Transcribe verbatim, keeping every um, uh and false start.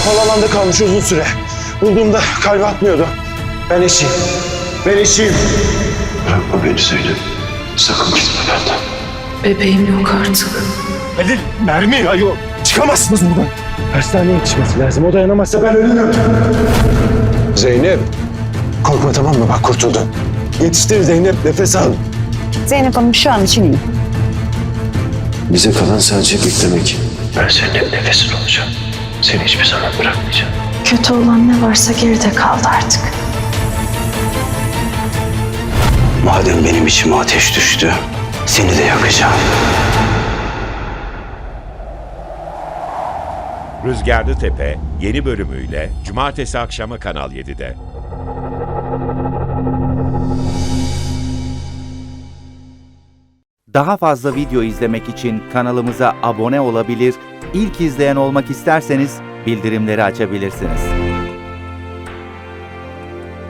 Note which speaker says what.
Speaker 1: Havaalanında kalmış uzun süre. Bulduğumda kalbi atmıyordu. Ben eşiyim. Ben eşiyim.
Speaker 2: Bırakma beni Zeynep. Sakın gitme benden.
Speaker 3: Bebeğim yok artık.
Speaker 1: Halil, mermi. Ay yok. Çıkamazsınız buradan. Hastaneye yetişmesi lazım. O dayanamazsa ben ölürüm. Zeynep. Korkma tamam mı? Bak kurtuldun. Yetiştir Zeynep. Nefes al.
Speaker 4: Zeynep Hanım şu an için iyi.
Speaker 2: Bize kalan sadece beklemek. Ben senin hep nefesin olacağım. Seni hiçbir zaman bırakmayacağım.
Speaker 3: Kötü olan ne varsa geride kaldı artık.
Speaker 2: Madem benim içime ateş düştü, seni de yakacağım.
Speaker 5: Rüzgarlı Tepe yeni bölümüyle Cumartesi akşamı Kanal yedide.
Speaker 6: Daha fazla video izlemek için kanalımıza abone olabilir, ilk izleyen olmak isterseniz bildirimleri açabilirsiniz.